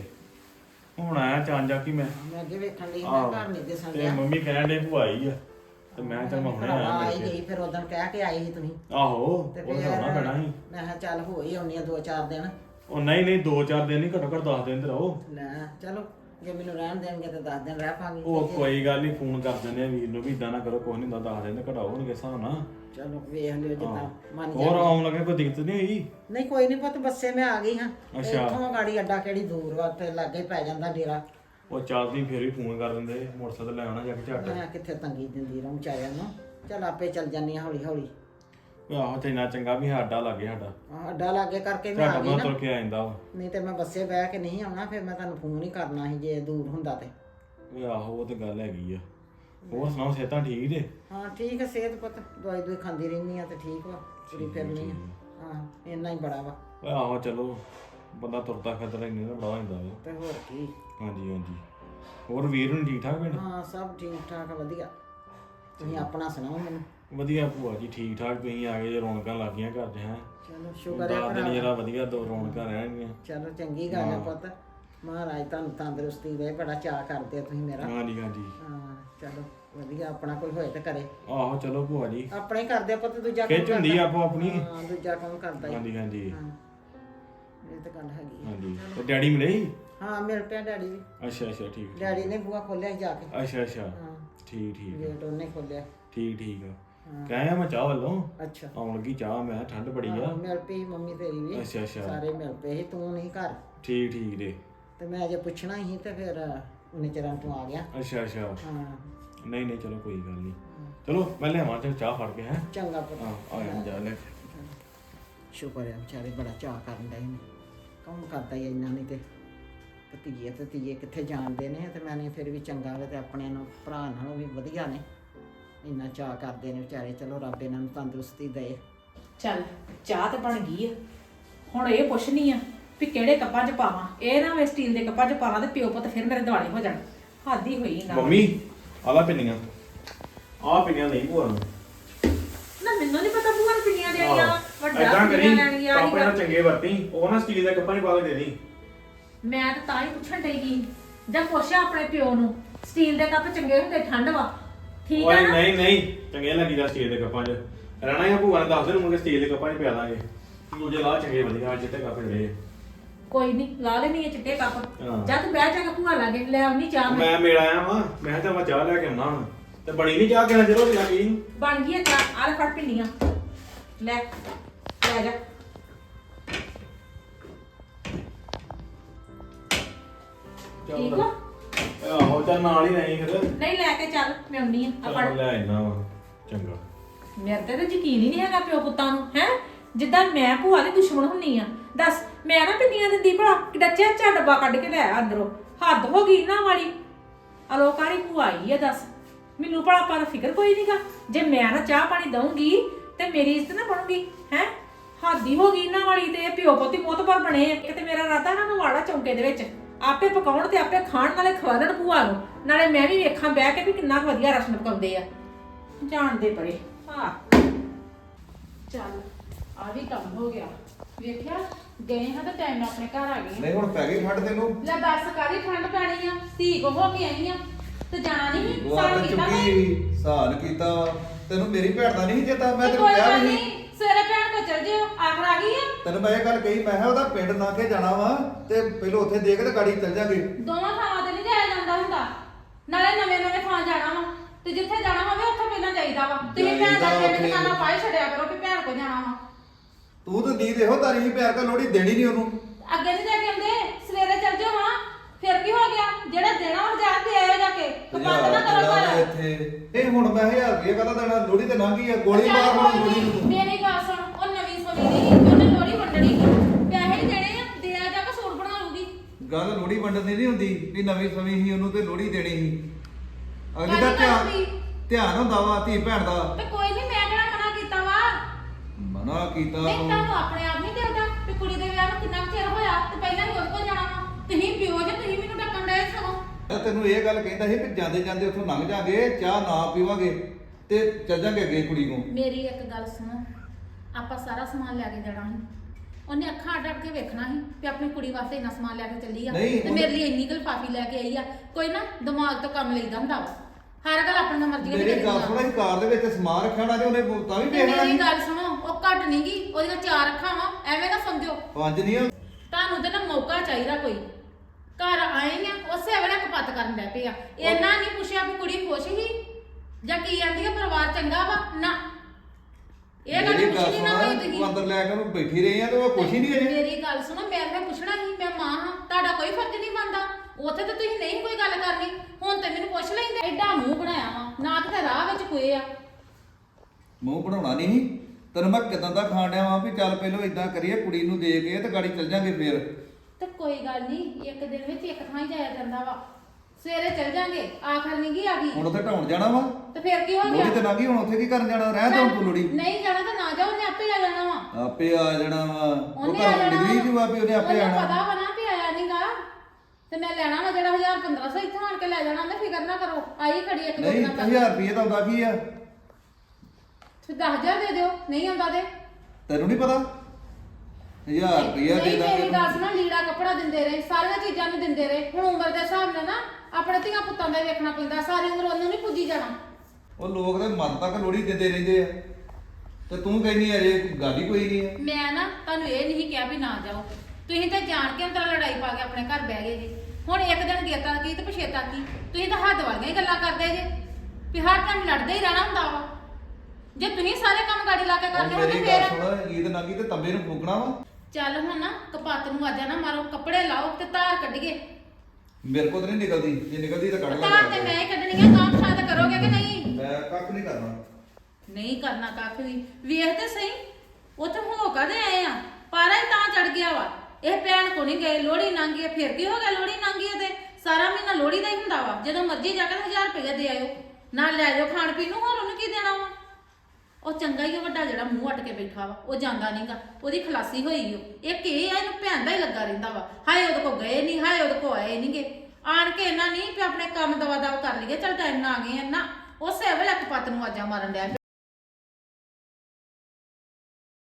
Speaker 4: ਹੁਣ ਆਇਆ ਚਾਂਜਾ ਕਿ ਮੈਂ
Speaker 3: ਮੈਂ ਅੱਗੇ ਵੇਖਣ ਲਈ
Speaker 4: ਆਹੋ।
Speaker 3: ਘਰ ਨਹੀਂ ਦਿਸਣ
Speaker 4: ਤੇ
Speaker 3: ਡਿਆ।
Speaker 4: ਮੰਮੀ ਕਹਿਣ ਦੇ ਭੂਆ ਆਈ ਆ ਤੇ ਮੈਂ ਚੱਲ ਮੈਂ ਹੁਣੇ ਆਇਆ
Speaker 3: ਆਈ
Speaker 4: ਮਿਲ ਕੇ।
Speaker 3: ਗਈ ਫਿਰ ਉਦੋਂ ਕਹਿ ਕੇ ਆਈ ਸੀ ਤੁਸੀਂ।
Speaker 4: ਆਹੋ
Speaker 3: ਤੇ
Speaker 4: ਉਹ
Speaker 3: ਫਿਰ
Speaker 4: ਹੋਣਾ ਪੈਣਾ ਸੀ।
Speaker 3: ਮੈਂ ਕਿਹਾ ਚੱਲ ਹੋ ਹੀ ਆਉਣੀ ਆ ਦੋ ਚਾਰ ਦਿਨ।
Speaker 4: ਉਹ ਨਹੀਂ ਨਹੀਂ ਦੋ ਚਾਰ ਦਿਨ ਨਹੀਂ ਘੱਟੋ ਘੱਟ ਦਸ ਦਿਨ ਤੇ ਰਹੋ।
Speaker 3: ਲੈ ਚਲੋ ਜੇ ਮੈਨੂੰ ਰਹਿਣ ਦੇਣਗੇ ਤਾਂ ਦਸ ਦਿਨ ਰਹਿ ਪਾਂਗੀ।
Speaker 4: ਉਹ ਕੋਈ ਗੱਲ ਨਹੀਂ ਫੋਨ ਕਰ ਦਿੰਦੇ ਆ ਵੀਰ ਨੂੰ ਵੀ ਇਦਾਂ ਨਾ ਕਰੋ ਕੁਛ ਨਹੀਂ ਹੁੰਦਾ ਦਸ ਦਿਨ ਤੇ ਘਟਾਓ ਹੋਣਗੇ ਹਿਸਾਬ ਨਾਲ।
Speaker 3: ਚਲੋ ਵੇਖ ਲਿਓ ਜਿੱਦਾਂ
Speaker 4: ਹਾਂ।
Speaker 3: ਮਨ
Speaker 4: ਹੋਰ
Speaker 3: ਜਾਵੇ।
Speaker 4: ਆਉਣ ਲੱਗੇ ਕੋਈ ਦਿੱਕਤ ਨਹੀਂ ਹੋਈ?
Speaker 3: ਨਹੀਂ ਕੋਈ ਨਹੀਂ ਪੁੱਤ ਬੱਸੇ ਮੈਂ ਆ ਗਈ ਹਾਂ।
Speaker 4: ਅੱਛਾ।
Speaker 3: ਇੱਥੋਂ ਗਾੜੀ ਅੱਡਾ ਕਿਹੜੀ ਦੂਰ ਵਾ ਤੇ ਲਾਗੇ ਪੈ ਜਾਂਦਾ ਡੇਰਾ।
Speaker 4: ਉਹ ਚੱਲਦੀ ਫੇਰ ਵੀ ਫੋਨ ਕਰ ਦਿੰਦੇ ਮੋਟਰਸਾਈਕਲ ਲੈ ਆਉਣਾ ਜਾ ਕੇ ਝੱਟ।
Speaker 3: ਮੈਂ ਕਿੱਥੇ ਤੰਗੀ ਦਿੰਦੀ ਰਹੂੰ ਵਿਚਾਰਿਆਂ ਨੂੰ। ਚੱਲ ਆਪੇ ਚੱਲ ਜਾਂਦੀ ਹਾਂ ਹੌਲੀ ਹੌਲੀ।
Speaker 4: ਆਹੋ ਤੇ ਇੰਨਾ ਚੰਗਾ ਵੀ ਸਾਡਾ ਲੱਗੇ ਸਾਡਾ
Speaker 3: ਆਹ, ਅੱਡਾ ਲਾਗੇ ਕਰਕੇ ਮੈਂ ਆ
Speaker 4: ਝੱਟ
Speaker 3: ਗਈ
Speaker 4: ਬੰਦਾ
Speaker 3: ਨਾ।
Speaker 4: ਤੁਰ ਕੇ ਆ ਜਾਂਦਾ ਵਾ।
Speaker 3: ਨਹੀਂ ਤੇ ਮੈਂ ਬੱਸੇ ਬਹਿ ਕੇ ਨਹੀਂ ਆਉਣਾ। ਫਿਰ ਮੈਂ ਤੁਹਾਨੂੰ ਫੋਨ ਹੀ ਕਰਨਾ ਸੀ ਜੇ ਦੂਰ ਹੁੰਦਾ ਤੇ।
Speaker 4: ਵੀ ਆਹੋ ਉਹ ਤੇ ਗੱਲ ਹੈਗੀ ਆ। ਹੋਰ ਸੁਣਾਓ ਸਿਹਤਾਂ ਠੀਕ ਜੇ?
Speaker 3: ਹਾਂ ਠੀਕ ਹੈ ਸਿਹਤ ਪੁੱਤ ਦਵਾਈ ਦਵਾਈ ਖਾਂਦੀ ਰਹਿੰਦੀ ਆ ਤੇ ਠੀਕ ਵਾ ਤੁਰੀ ਫਿਰਨੀ ਆ ਹਾਂ ਇੰਨਾ ਹੀ ਬੜਾ ਵਾ
Speaker 4: ਓਏ ਆਹੋ ਚਲੋ ਬੰਦਾ ਤੁਰਦਾ ਫਿਰਦਾ ਇੰਨੇ ਦਾ ਬੜਾ ਹੋ ਜਾਂਦਾ ਵਾ।
Speaker 3: ਤੇ ਹੋਰ ਕੀ
Speaker 4: ਹਾਂਜੀ ਹਾਂਜੀ ਹੋਰ ਵੀਰ ਨੂੰ ਠੀਕ ਠਾਕ ਪਿੰਡ?
Speaker 3: ਹਾਂ ਸਭ ਠੀਕ ਠਾਕ ਆ ਵਧੀਆ ਤੁਸੀਂ ਆਪਣਾ ਸੁਣਾਓ ਮੈਨੂੰ
Speaker 4: ਵਧੀਆ ਭੂਆ ਜੀ ਠੀਕ ਠਾਕ ਤੁਸੀਂ ਆ ਗਏ ਜੇ ਰੌਣਕਾਂ ਲੱਗ ਗਈਆਂ ਘਰ 'ਚ ਹੈ
Speaker 3: ਚਲੋ ਸ਼ੁਕਰ ਹੈ
Speaker 4: ਦਸ ਦਿਨ
Speaker 3: ਭਰਾ
Speaker 4: ਜਿਹੜਾ ਵਧੀਆ ਦੋ ਰੌਣਕਾਂ ਰਹਿਣਗੀਆਂ।
Speaker 3: ਚਲੋ ਚੰਗੀ ਗੱਲ ਹੈ ਪੁੱਤ ਮਹਾਰਾਜ ਤੁਹਾਨੂੰ ਤੰਦਰੁਸਤੀ ਦੇ ਬੜਾ ਚਾਅ ਕਰਦੇ ਤੁਸੀਂ ਮੇਰਾ
Speaker 4: ਹਾਂਜੀ ਹਾਂਜੀ
Speaker 3: ਹਾਂ ਚਲੋ ਵਧੀਆ ਆਪਣਾ ਕੋਈ ਹੋਏ ਤੇ ਕਰੇ
Speaker 4: ਆਹੋ ਚਲੋ ਭੂਆ ਜੀ
Speaker 3: ਆਪਣੇ ਕਰਦੇ ਆ ਪੁੱਤ ਦੂਜਾ ਕੌਣ
Speaker 4: ਖਿੱਚ ਹੁੰਦੀ
Speaker 3: ਕਰਦਾ?
Speaker 4: ਆਪੋ ਆਪਣੀ।
Speaker 3: ਹਾਂ ਦੂਜਾ ਕੌਣ ਕਰਦਾ ਈ?
Speaker 4: ਹਾਂਜੀ ਹਾਂਜੀ
Speaker 3: ਹਾਂ ਇਹ ਤਾਂ ਗੱਲ ਹੈਗੀ ਆ।
Speaker 4: ਹਾਂਜੀ ਤੇ ਡੈਡੀ ਮਿਲੇ ਸੀ?
Speaker 3: ਹਾਂ ਮਿਲ ਪਿਆ ਡੈਡੀ ਵੀ
Speaker 4: ਅੱਛਾ ਅੱਛਾ ਠੀਕ
Speaker 3: ਡੈਡੀ ਨੇ ਬੂਹਾ ਖੋਲਿਆ ਸੀ ਜਾ ਕੇ
Speaker 4: ਅੱਛਾ ਅੱਛਾ
Speaker 3: ਹਾਂ
Speaker 4: ਠੀਕ ਠੀਕ ਆ,
Speaker 3: ਗੇਟ ਉਹਨੇ ਖੋਲਿਆ
Speaker 4: ਠੀਕ ਠੀਕ ਆ
Speaker 3: ਹਾਂ।
Speaker 4: ਕਹਿਆ ਮੈਂ ਚਾਹ ਵੱਲੋਂ
Speaker 3: ਅੱਛਾ
Speaker 4: ਆਉਣ ਲੱਗੀ ਚਾਹ ਮੈਂ ਕਿਹਾ ਠੰਡ ਬੜੀ ਆ
Speaker 3: ਹਾਂ, ਮਿਲ ਪਈ ਮੰਮੀ ਤੇਰੀ ਵੀ
Speaker 4: ਅੱਛਾ ਅੱਛਾ
Speaker 3: ਸਾਰੇ ਮਿਲ ਪਏ ਸੀ ਤੂੰ ਨਹੀਂ ਘਰ
Speaker 4: ਠੀਕ ਠੀਕ ਦੇ
Speaker 3: ਤੇ ਮੈਂ ਅਜੇ ਪੁੱਛਣਾ ਸੀ ਤੇ ਫਿਰ ਉਹਨੇ ਚਿਰਾਂ ਤੂੰ ਆ ਗਿਆ
Speaker 4: ਅੱਛਾ ਅੱਛਾ
Speaker 3: ਹਾਂ
Speaker 4: ਨਹੀਂ ਨਹੀਂ ਚਲੋ ਕੋਈ ਗੱਲ ਨਹੀਂ ਚਲੋ ਮੈਂ ਲਿਆਵਾਂ ਤੇ ਚਾਹ ਫੜ ਕੇ ਹੈ
Speaker 3: ਚੰਗਾ ਪੁੱਤ
Speaker 4: ਹਾਂ ਆ ਜਾ ਜਾ ਲੈ
Speaker 3: ਸ਼ੁਕਰ ਹੈ ਵਿਚਾਰੇ ਬੜਾ ਚਾਅ ਕਰਨ ਡਏ ਨੇ ਕੌਣ ਕਰਦਾ ਹੀ ਇੰਨਾ ਨਹੀਂ ਤੇ ਭਤੀਏ ਤੇ ਧੀਏ ਕਿੱਥੇ ਜਾਣਦੇ ਨੇ ਤੇ ਮੈਨੇ ਫਿਰ ਵੀ ਚੰਗਾ ਵੇ ਤੇ ਆਪਣੇ ਨੂੰ ਭਰਾ ਨਾਲੋਂ ਵੀ ਵਧੀਆ ਨੇ ਇੰਨਾ ਚਾਅ ਕਰਦੇ ਨੇ ਵਿਚਾਰੇ ਚਲੋ ਰੱਬ ਇਹਨਾਂ ਨੂੰ ਤੰਦਰੁਸਤੀ ਦੇ
Speaker 1: ਚੱਲ ਚਾਹ ਤੇ ਬਣ ਗਈ ਆ ਹੁਣ ਇਹ ਪੁੱਛਣੀ ਆ ਵੀ ਕਿਹੜੇ ਕੱਪਾਂ 'ਚ ਪਾਵਾਂ ਇਹ ਨਾ ਮੈਂ ਸਟੀਲ ਦੇ ਕੱਪਾਂ 'ਚ ਪਾਵਾਂ ਤੇ ਪਿਓ ਪੁੱਤ ਫਿਰ ਮੇਰੇ ਦਿਵਾਲੇ ਹੋ ਜਾਣ ਹੱਦ ਹੀ ਹੋਈ ਨਾ
Speaker 4: ਮੰਮੀ ਆਲਾ ਪਿੰਨੀਆਂ ਆ ਪਿੰਨੀਆਂ ਨਹੀਂ ਭੂਆ ਨੂੰ
Speaker 1: ਨਾ ਮੈਨੂੰ ਨਹੀਂ ਪਤਾ ਬੂਆ ਨੂੰ ਪਿੰਨੀਆਂ ਦੇਣੀਆਂ ਵੱਡਾ
Speaker 4: ਏਦਾਂ ਕਰੀ
Speaker 1: ਪਿੰਨੀਆਂ ਲੈਣੀਆਂ
Speaker 4: ਆਪਣੇ ਨਾਲ ਚੰਗੇ ਵਰਤੀ ਉਹ ਨਾ ਸਟੀਲ ਦੇ ਕੱਪਾਂ 'ਚ ਪਾ ਕੇ ਦੇ ਦੀ
Speaker 1: ਮੈਂ ਤਾਂ ਤਾਂ ਹੀ ਪੁੱਛਣ ਡਈ ਗਈ ਜਾਂ ਪੁੱਛਿਆ ਆਪਣੇ ਪਿਓ ਨੂੰ ਸਟੀਲ ਦੇ ਕੱਪ ਚੰਗੇ ਹੁੰਦੇ ਠੰਡ ਵਾ ਠੀਕ ਆ
Speaker 4: ਓਏ
Speaker 1: ਨਾ
Speaker 4: ਨਹੀਂ ਨਹੀਂ ਚੰਗੇ ਲੱਗੀਦਾ ਸਟੀਲ ਦੇ ਕੱਪਾਂ 'ਚ ਰਹਿਣਾ ਹੀ ਆ ਭੂਆ ਨੇ ਦੱਸ ਦੇ ਮੁੰਗੇ ਸਟੀਲ ਦੇ ਕੱਪਾਂ 'ਚ ਪਿਆ ਦਾਂਗੇ ਦੂਜੇ ਲਾ ਚੰਗੇ ਵਧੀਆ ਚਿੱਟੇ ਕੱਪ ਜਿਹੜੇ
Speaker 1: ਕੋਈ ਨਹੀਂ ਲਾ ਲੈਣੀ ਆ ਚਿੱਟੇ ਕੱਪ
Speaker 4: ਹਾਂ।
Speaker 1: ਜਾਂ ਤੂੰ ਬਹਿ ਜਾ ਕੇ ਭੂਆ ਲਾਗੇ ਲੈ ਆਉਣੀ ਚਾਹ ਮੈਂ
Speaker 4: ਮੈਂ ਮੇਲ ਆਇਆ ਵਾਂ ਮੈਂ ਕਿਹਾ ਚੱਲ ਮੈਂ ਚਾਹ ਲੈ ਕੇ ਆਉਣਾ ਹੁਣ ਤੇ ਬਣੀ ਨਹੀਂ ਚਾਹ ਕਿਹਨਾਂ ਚਿਰ ਹੋ ਗਿਆ ਗਈ ਨੂੰ
Speaker 1: ਬਣ ਗਈ ਆ ਚਾਹ ਆਲੇ ਫੜ ਪਿੰਨੀਆਂ ਲੈ ਲੈ ਜਾ ਠੀਕ ਆ
Speaker 4: ਆਹੋ ਚੱਲ ਨਾਲ ਹੀ ਨਹੀਂ ਫਿਰ
Speaker 1: ਨਹੀਂ ਲੈ ਕੇ ਚੱਲ ਮੈਂ ਆਉਣੀ ਆ ਆ
Speaker 4: ਚੱਲ
Speaker 1: ਫੜ
Speaker 4: ਲੈ ਆਇਨਾ ਵਾ ਚੰਗਾ
Speaker 1: ਮੇਰੇ ਤੇ ਤਾਂ ਯਕੀਨ ਹੀ ਨਹੀਂ ਹੈਗਾ ਪਿਓ ਪੁੱਤਾਂ ਨੂੰ ਹੈ ਜਿੱਦਾਂ ਮੈਂ ਭੂਆ ਦੀ ਦੁਸ਼ਮਣ ਹੁੰਨੀ ਆ ਦੱਸ ਮੈਂ ਨਾ ਪਿੰਨੀਆਂ ਦਿੰਦੀ ਭਲਾ ਕਿੱਡਾ ਚੈਚਾ ਡੱਬਾ ਕੱਢ ਕੇ ਲੈ ਆ ਅੰਦਰੋਂ ਹੱਦ ਹੋ ਗਈ ਨਾ ਵਾਲੀ ਅਲੋਕਾਰੀ ਭੂਆ ਆਈ ਆ ਦੱਸ ਮੈਨੂੰ ਭਲਾ ਪਰ ਫਿਕਰ ਕੋਈ ਨਹੀਂਗਾ ਜੇ ਮੈਂ ਨਾ ਚਾਹ ਪਾਣੀ ਦਊਂਗੀ ਤੇ ਮੇਰੀ ਇੱਜ਼ਤ ਨਾ ਬਣੂਗੀ ਹੈ ਹਾਦੀ ਹੋ ਗਈ ਨਾ ਵਾਲੀ ਤੇ ਇਹ ਪਿਓ ਪੁੱਤੀ ਮੋਤਬਰ ਬਣੇ ਆ ਇੱਕ ਤੇ ਮੇਰਾ ਰਾਤਾ ਇਹਨਾਂ ਨੂੰ ਵਾੜਾ ਚੌਂਕੇ ਦੇ ਵਿੱਚ ਆਪੇ ਪਕਾਉਣ ਤੇ ਆਪੇ ਖਾਣ ਨਾਲੇ ਖਵਾਉਣ ਭੂਆ ਨੂੰ ਨਾਲੇ ਮੈਂ ਵੀ ਵੇਖਾਂ ਬਹਿ ਕੇ ਵੀ ਕਿੰਨਾ ਕੁ ਵਧੀਆ ਰਸਮ ਪਕਾਉਂਦੇ ਆ ਜਾਣਦੇ ਪਰੇ ਹਾਂ ਚੱਲ ਆ ਵੀ ਕੰਮ ਹੋ ਗਿਆ ਵੇਖਿਆ ਗਏ ਹਾਂ ਤਾਂ ਟਾਈਮ ਆਪਣੇ ਘਰ ਆ ਗਏ
Speaker 5: ਨਹੀਂ ਹੁਣ ਪੈ ਗਈ ਠੰਡ ਤੈਨੂੰ
Speaker 1: ਲੈ ਦੱਸ ਕਾਹਦੀ ਠੰਡ ਪੈਣੀ ਆ ਧੀ ਕੋ ਹੋ ਕੇ ਆਈ ਆ ਤੇ ਜਾਣਾ ਨਹੀਂ
Speaker 5: ਉਹ
Speaker 1: ਸਾਲ
Speaker 5: ਤਾਂ
Speaker 1: ਕੀਤਾ ਮੈਂ
Speaker 5: ਚੁੱਕੀ ਸਾਲ ਕੀਤਾ ਵਾ। ਤੈਨੂੰ ਮੇਰੀ ਭੈਣ ਦਾ ਨਹੀਂ ਚੇਤਾ ਮੈਂ
Speaker 1: ਤੇ
Speaker 5: ਤੈਨੂੰ
Speaker 1: ਕੋਈ
Speaker 5: ਕਿਹਾ
Speaker 1: ਗੱਲ
Speaker 5: ਵੀ
Speaker 1: ਨਹੀਂ
Speaker 5: ਨਹੀਂ
Speaker 1: ਸਵੇਰੇ ਭੈਣ ਕੋ ਚਲ ਜਿਓ ਆਖਰ ਆ ਗਈ ਆ
Speaker 5: ਤੈਨੂੰ ਮੈਂ ਇਹ ਗੱਲ ਕਹੀ ਮੈਂ ਕਿਹਾ ਉਹਦਾ ਪਿੰਡ ਨਾ ਕੇ ਜਾਣਾ ਵਾ ਤੇ ਪਹਿਲਾਂ ਉੱਥੇ ਦੇ ਕੇ ਤੇ ਗਾੜੀ ਚੱਲ ਜਾਗੇ
Speaker 6: ਦੋਵਾਂ ਥਾਵਾਂ ਤੇ ਨਹੀਂ ਜਾਇਆ ਜਾਂਦਾ ਹੁੰਦਾ ਨਾਲੇ ਨਵੇਂ ਨਵੇਂ ਥਾਂ ਜਾਣਾ ਵਾ ਤੇ ਜਿੱਥੇ ਜਾਣਾ ਹੋਵੇ ਉੱਥੇ ਪਹਿਲਾਂ ਜਾਈਦਾ ਵਾ ਤੁਸੀਂ ਭੈਣ ਦਾ
Speaker 5: ਜਾਈਦਾ
Speaker 6: ਪਿੰਡ
Speaker 5: ਉੱਥੇ।
Speaker 6: ਦੁਕਾਨਾਂ ਪਾਏ ਛੱਡਿਆ ਕਰੋ ਕਿ ਭੈਣ ਕੋ ਜਾਣਾ ਵਾ
Speaker 5: ਤੂੰ ਤਾਂ ਨੀਂਦ ਇਹੋ ਤਾਰੀ ਹੀ ਪਿਆਰ ਕਰ ਲੋੜੀ ਦੇਣੀ ਨਹੀਂ ਉਹਨੂੰ
Speaker 6: ਅੱਗੇ ਨਹੀਂ ਜਾ ਕੇ ਆਉਂਦੇ ਸਵੇਰੇ ਚੱਲ ਜਾਓ ਹਾਂ ਫਿਰ ਕੀ ਹੋ ਗਿਆ ਜਿਹੜਾ ਦੇਣਾ ਉਹ ਜਾ ਤੇ ਆਇਓ ਜਾ ਕੇ ਕਪੱਤ ਨਾ ਕਰੋ
Speaker 5: ਜਿਹੜਾ
Speaker 6: ਘਰ
Speaker 5: ਇੱਥੇ ਇਹ ਹੁਣ ਮੈਂ ਹਜ਼ਾਰ ਰੁਪਏ ਕਹਦਾ ਦੇਣਾ ਲੋੜੀ ਤੇ ਲੰਘ ਆ ਗੋਲੀ ਮਾਰ ਹੁਣ ਲੋੜੀ ਨੂੰ ਤੂੰ।
Speaker 6: ਮੇਰੀ ਗੱਲ ਸੁਣ ਉਹ ਨਵੀਂ ਸੋਨੀ ਦੀ ਉਹਨੇ ਲੋੜੀ ਵੰਡਣੀ ਪੈਸੇ ਹੀ ਦੇਣੇ ਆ ਦਿਆ ਜਾ ਕੇ ਸੂਟ ਬਣਾ ਲੂਗੀ
Speaker 5: ਗੱਲ ਲੋੜੀ ਵੰਡਣ ਦੀ ਨਹੀਂ ਹੁੰਦੀ ਵੀ ਨਵੀਂ ਸਵੀਂ ਹੀ ਉਹਨੂੰ ਤੇ ਲੋੜੀ ਦੇਣੀ ਸੀ ਅਗਲੀ ਦਾ
Speaker 6: ਕਾਹਦੀ ਗੱਲ
Speaker 5: ਧਿਆਨ
Speaker 6: ਸੀ?
Speaker 5: ਧਿਆਨ ਹੁੰਦਾ ਵਾ ਧੀ ਭੈਣ ਦਾ
Speaker 6: ਤੇ ਕੋਈ ਨਹੀਂ ਮੈਂ ਕਿਹੜਾ ਮਨਾ ਕੀਤਾ ਵਾ
Speaker 5: ਮਨਾ ਕੀਤਾ
Speaker 6: ਨਹੀਂ
Speaker 5: ਤੂੰ
Speaker 6: ਤੁਹਾਨੂੰ ਆਪਣੇ ਆਪ ਨਹੀਂ ਦਿਲਦਾ ਕਿ ਕੁੜੀ ਦੇ ਵਿਆਹ ਨੂੰ ਕਿੰਨਾ ਕੁ ਚਿਰ ਹੋਇਆ ਤੇ ਪਹਿਲਾਂ ਹੀ ਉਹਦੇ ਕੋਲ ਜਾਣਾ ਵਾ ਤੁਸੀਂ ਪਿਓ ਜੇ ਤੁਸੀਂ ਮੈਨੂੰ ਡੱਕਣ ਡਏ ਸਗੋਂ
Speaker 5: ਮੈਂ ਤੈਨੂੰ ਇਹ ਗੱਲ ਕਹਿੰਦਾ ਸੀ ਕਿ ਜਾਂਦੇ ਜਾਂਦੇ ਉੱਥੋਂ ਲੰਘ ਜਾਗੇ ਚਾਹ ਨਾ ਪੀਵਾਂਗੇ ਤੇ ਚੱਲ ਜਾਾਂਗੇ ਅੱਗੇ ਕੁੜੀ ਨੂੰ
Speaker 6: ਮੇਰੀ ਇੱਕ ਗੱਲ ਸੁਣੋ ਆਪਾਂ ਸਾਰਾ ਸਮਾਨ ਲੈ ਕੇ ਜਾਣਾ ਸੀ ਉਹਨੇ ਅੱਖਾਂ ਅੱਡ ਅੱਡ ਕੇ ਵੇਖਣਾ ਸੀ ਕਿ ਆਪਣੀ ਕੁੜੀ ਵਾਸਤੇ ਇੰਨਾ ਸਮਾਨ ਲੈ ਕੇ ਚੱਲੀ ਆ
Speaker 5: ਨਹੀਂ,
Speaker 6: ਤੇ
Speaker 5: ਉਹਨੇ-
Speaker 6: ਮੇਰੇ ਲਈ ਇੰਨੀ ਕੁ ਲਿਫਾਫੀ ਲੈ ਕੇ ਆਈ ਆ ਕੋਈ ਨਾ ਦਿਮਾਗ ਤੋਂ ਕੰਮ ਲਈਦਾ ਹੁੰਦਾ ਵਾ ਹਰ ਗੱਲ ਆਪਣੀਆਂ ਮਰਜ਼ੀਆਂ ਦੀ
Speaker 5: ਮੇਰੀ ਗੱਲ ਸੁਣੋ ਇਸ ਕਾਰ ਦੇ ਵਿੱਚ ਸਮਾਨ ਰੱਖਿਆ ਹੋਣਾ ਤੇ ਉਹਨੇ ਤਾਂ ਵੀ
Speaker 6: ਤੇ
Speaker 5: ਵੇਖਣਾ
Speaker 6: ਮੇਰੀ
Speaker 5: ਸੀ
Speaker 6: ਗੱਲ ਸੁਣੋ ਉਹ ਘੱਟ ਨੀ ਗੀ ਉਹਦੀਆਂ ਚਾਰ ਅੱਖਾਂ ਵਾ ਐਵੇਂ ਨਾ ਸਮਝੋ
Speaker 5: ਪੰਜ ਨਹੀਂ ਆ।
Speaker 6: ਤੁਹਾਨੂੰ ਤੇ ਨਾ ਮੌਕਾ ਚਾਹੀਦਾ ਕੋਈ ਘਰ ਆਏ ਆ ਉਸੇ ਵੇਲੇ ਕਪੱਤ ਕਰਨ ਲੱਗ ਪਏ ਆ ਇਹਨਾਂ ਨਹੀਂ ਪੁੱਛਿਆ ਵੀ ਕੁੜੀ ਖੁਸ਼ ਸੀ ਜਾਂ ਕੀ ਆਂਦੀ ਆ ਪਰਿਵਾਰ ਚੰਗਾ ਵਾ ਨਾ ਇਹ ਗੱਲ
Speaker 5: ਮੇਰੀ ਗੱਲ
Speaker 6: ਪੁੱਛਣੀ ਨਾ ਹੋਈ
Speaker 5: ਸੁਣ
Speaker 6: ਤੁਸੀਂ
Speaker 5: ਤੂੰ ਅੰਦਰ ਲੈ ਕੇ ਉਹਨੂੰ ਬੈਠੀ ਰਹੀ ਆ ਤੇ ਉਹ ਕੁਛ ਹੀ ਨਹੀਂ ਅਜੇ
Speaker 6: ਮੇਰੀ ਗੱਲ ਸੁਣੋ ਮੈਂ ਤਾਂ ਪੁੱਛਣਾ ਸੀ ਮੈਂ ਮਾਂ ਹਾਂ ਤੁਹਾਡਾ ਕੋਈ ਫਰਜ਼ ਨਹੀਂ ਬਣਦਾ ਉੱਥੇ ਤਾਂ ਤੁਸੀਂ ਨਹੀਂ ਕੋਈ ਗੱਲ ਕਰਨੀ ਹੁਣ ਤੇ ਮੈਨੂੰ ਪੁੱਛ ਲੈਂਦੇ ਐਡਾ ਮੂੰਹ ਬਣਾਇਆ ਵਾ ਨਾ ਕਿਤੇ ਰਾਹ ਵਿੱਚ ਕੋਏ ਆ
Speaker 5: ਮੂੰਹ ਬਣਾਉਣਾ ਨਹੀਂ ਸੀ। ਤੈਨੂੰ ਮੈਂ ਕਿਦਾਂ ਦਾ ਖਾਣ ਡਿਆ ਵਾਂ ਵੀ ਚੱਲ ਪਹਿਲਾਂ ਇਦਾਂ ਕਰੀਏ ਕੁੜੀ ਨੂੰ ਦੇ ਕੇ ਤੇ ਗਾੜੀ ਚੱਲ ਜਾਾਂਗੇ ਫੇਰ
Speaker 6: ਤੇ ਕੋਈ ਗੱਲ ਨਹੀਂ ਇੱਕ ਦਿਨ ਵਿੱਚ ਇੱਕ ਥਾਂ ਹੀ ਜਾਇਆ ਜਾਂਦਾ ਵਾ ਸਵੇਰੇ ਚੱਲ ਜਾਾਂਗੇ ਆਖਰ ਨਹੀਂ ਗਈ ਆ ਗਈ
Speaker 5: ਹੁਣ ਉੱਥੇ ਢਾਉਣ ਜਾਣਾ ਵਾ
Speaker 6: ਤੇ ਫਿਰ ਕੀ ਹੋ
Speaker 5: ਲੋੜੀ ਤੇ
Speaker 6: ਗਿਆ
Speaker 5: ਲੰਘੀ ਹੁਣ ਉੱਥੇ ਕੀ ਕਰਨ ਜਾਣਾ ਰਹਿ ਜਾ ਤੂੰ ਲੋੜੀ
Speaker 6: ਨਹੀਂ ਜਾਣਾ ਤਾਂ ਨਾ ਜਾਓ ਉਹਨੇ ਆਪੇ ਆ ਜਾਣਾ ਵਾ
Speaker 5: ਆਪੇ ਆ ਜਾਣਾ ਵਾ ਉਹ
Speaker 6: ਉਹਨੇ
Speaker 5: ਤਾਂ
Speaker 6: ਆ ਜਾਣਾ
Speaker 5: ਡਿਗਰੀ ਜੂ ਆਪੇ ਉਹਨੇ ਆਪੇ
Speaker 6: ਉਹਨੂੰ
Speaker 5: ਆਣਾ
Speaker 6: ਪਤਾ ਵਾ ਨਾ ਵੀ ਆਇਆ ਨਹੀਂਗਾ ਤੇ ਮੈਂ ਲੈਣਾ ਵਾ ਜਿਹੜਾ ਹਜ਼ਾਰ ਪੰਦਰਾਂ ਸੌ ਇੱਥੋਂ ਆਣ ਕੇ ਲੈ ਜਾਣਾ ਉਹਨੇ ਫਿਕਰ ਨਾ ਕਰੋ ਆਈ ਖੜੀ ਇੱਕ ਦੋ
Speaker 5: ਨਹੀਂ
Speaker 6: ਦਿਨਾਂ ਤੱਕ
Speaker 5: ਹਜ਼ਾਰ ਰੁਪਏ ਤਾਂ ਆਉਂਦਾ ਕੀ ਆ
Speaker 6: ਫਿਰ ਦਸ ਹਜ਼ਾਰ ਦੇ ਦਿਓ ਨਹੀਂ ਆਉਂਦਾ ਤੇ
Speaker 5: ਤੈਨੂੰ ਨਹੀਂ ਪਤਾ ਹਜ਼ਾਰ ਰੁਪਏ ਦੇ
Speaker 6: ਨਹੀਂ ਮੇਰੀ
Speaker 5: ਦਾਂਗੇ
Speaker 6: ਗੱਲ ਸੁਣਾ ਲੀੜਾ ਕੱਪੜਾ ਦਿੰਦੇ ਰਹੇ ਸਾਰੀਆਂ ਚੀਜ਼ਾਂ ਨੂੰ ਦਿੰਦੇ ਰਹੇ ਹੁਣ ਉਮਰ ਦੇ ਹਿਸਾਬ ਨਾਲ ਨਾ ਆਪਣੇ ਧੀਆਂ ਪੁੱਤਾਂ ਦਾ ਵੇਖਣਾ ਪੈਂਦਾ ਸਾਰੀ ਉਮਰ ਉਹਨੂੰ ਨਹੀਂ ਪੁੱਜੀ ਜਾਣਾ
Speaker 5: ਉਹ ਲੋਕ ਤੇ ਮਰ ਤੱਕ ਲੋੜੀ ਦਿੰਦੇ ਰਹਿੰਦੇ ਆ ਤੇ ਤੂੰ ਕਹਿੰਦੀ ਅਜੇ ਗੱਲ ਹੀ ਕੋਈ ਨਹੀਂ ਆ
Speaker 6: ਮੈਂ ਨਾ ਤੁਹਾਨੂੰ ਇਹ ਨਹੀਂ ਕਿਹਾ ਵੀ ਨਾ ਜਾਓ ਤੁਸੀਂ ਤਾਂ ਜਾਣ ਕੇ ਅੰਦਰ ਲੜਾਈ ਪਾ ਕੇ ਆਪਣੇ ਘਰ ਬਹਿ ਗਏ ਜੀ ਹੁਣ ਇੱਕ ਦਿਨ ਗੇਤਾ ਕੀ ਤੇ ਪਛੇਤਾ ਕੀ ਤੁਸੀਂ ਤਾਂ ਹੱਦ ਵਾਲੀਆਂ ਹੀ ਗੱਲਾਂ ਕਰਦੇ ਜੇ ਵੀ ਹਰ ਟਾਈਮ ਲੜਦੇ ਹੀ ਰਹਿਣਾ ਹੁੰਦਾ ਵਾ ਜੇ ਤੁਸੀਂ ਸਾਰੇ ਕੰਮ ਗਾੜੀ ਲਾ ਕੇ
Speaker 5: ਹੁਣ
Speaker 6: ਕਰਦੇ ਹੋ
Speaker 5: ਮੇਰੀ
Speaker 6: ਤੇ
Speaker 5: ਗੱਲ
Speaker 6: ਫੇਰ
Speaker 5: ਸੁਣ ਈਦ ਨੰਗੀ ਤੇ ਤੰਬੇ ਨੂੰ ਫੂਕਣਾ ਵਾ
Speaker 6: ਚੱਲ ਹੁਣ ਨਾ ਕਪੱਤ ਨੂੰ ਆਜਾ ਨਾ ਮਾਰੋ ਕੱਪੜੇ ਲਾਓ ਤੇ ਤਾਰ ਕੱਢੀਏ
Speaker 5: ਮੇਰੇ ਕੋਲ ਤਾਂ ਨਹੀਂ ਨਿਕਲਦੀ ਜੇ ਨਿਕਲਦੀ ਤਾਂ ਕੱਢ ਲਾ
Speaker 6: ਤਾਰ ਤੇ ਮੈਂ ਹੀ ਕੱਢਣੀ ਆ ਕੰਮ ਸ਼ਾਇਦ ਕਰੋਗੇ ਕਿ ਨਹੀਂ
Speaker 5: ਮੈਂ ਕੱਖ ਨਹੀਂ ਕਰਨਾ
Speaker 6: ਨਹੀਂ ਕਰਨਾ ਕੱਖ ਵੀ ਵੇਖ ਤੇ ਸਹੀ ਉੱਥੇ ਹੋ ਕਦੇ ਆਏ ਆ ਪਾਰਾ ਹੀ ਤਾਂ ਚੜ ਗਿਆ ਵਾ ਇਹ ਭੈਣ ਕੋ ਨਹੀਂ ਗਏ ਲੋਹੜੀ ਲੰਘੀ ਆ ਫਿਰ ਕੀ ਹੋ ਗਿਆ ਲੋਹੜੀ ਲੰਘੀ ਆ ਤੇ ਸਾਰਾ ਮਹੀਨਾ ਲੋਹੜੀ ਦਾ ਹੀ ਹੁੰਦਾ ਵਾ ਜਦੋਂ ਮਰਜ਼ੀ ਜਾ ਕੇ ਹਜ਼ਾਰ ਰੁਪਏ ਦੇ ਆਇਓ ਨਾਲ ਲੈ ਜਾਓ ਖਾਣ ਪੀਣ ਨੂੰ ਹੋਰ ਉਹਨੂੰ ਕੀ ਦੇਣਾ ਵਾ ਉਹ ਚੰਗਾ ਹੀ ਆ ਵੱਡਾ ਜਿਹੜਾ ਮੂੰਹ ਅੱਟ ਕੇ ਬੈਠਾ ਵਾ ਉਹ ਜਾਂਦਾ ਨਹੀਂਗਾ ਉਹਦੀ ਖਲਾਸੀ ਹੋਈ ਓ ਇੱਕ ਇਹ ਆ ਇਹਨੂੰ ਭੈਣ ਦਾ ਹੀ ਲੱਗਾ ਰਹਿੰਦਾ ਵਾ ਹਾਏ ਉਹਦੇ ਕੋ ਗਏ ਨਹੀਂ ਹਾਏ ਉਹਦੇ ਕੋ ਆਏ ਨਹੀਂਗੇ ਆਣ ਕੇ ਇਹਨਾਂ ਨਹੀਂ ਵੀ ਆਪਣੇ ਕੰਮ ਦਵਾ ਦਵ ਕਰ ਲਈਏ ਚਲ ਟਾਈਮ ਨਾ ਆ ਗਏ ਆ ਨਾ ਉਸੇ ਵੇਲੇ ਕਪੱਤ ਨੂੰ ਆਜਾ ਮਾਰਨ ਡਿਆ